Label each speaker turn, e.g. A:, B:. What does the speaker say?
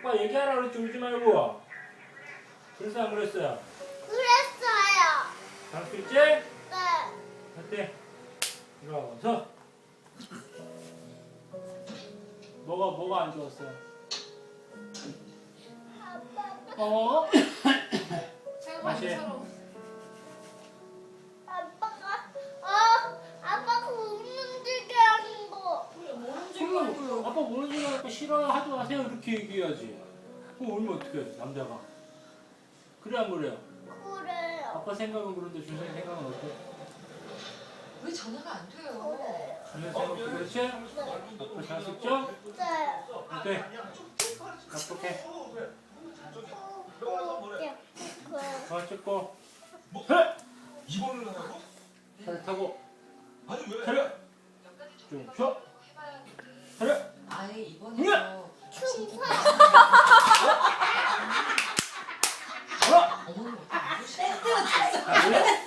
A: 아빠 얘기하라 그랬지 울지 말고. 그래서 안 그랬어요?
B: 그랬어요.
A: 잘할 수 있지?
B: 네.
A: 어때? 일어서. 뭐가 안 좋았어요?
B: 아빠.
A: 다시.
B: 아빠가 움직이게 하는 거.
A: 아빠 모르는 줄 알고 싫어요 하지 마세요 이렇게 얘기해야지. 그럼 울면 어떻게 해 남자가? 그래 안 그래요?
B: 그래요.
A: 아빠 생각은 그런데 준성이 생각은 어때?
C: 왜 전화가 안 돼요?
B: 그래요.
A: 준성이 생각 그렇지? 아빠 잘 썼죠?
B: 네.
A: 어때? 어떡해? 찍고 차렷!
D: 입원을 하라고?
A: 차렷 타고
D: 아니 왜?
A: 차렷! 좀 쉬어! 차렷!
C: 아예 입원해서
B: 충성.
A: 하나!
C: 어머니
A: 자, 원래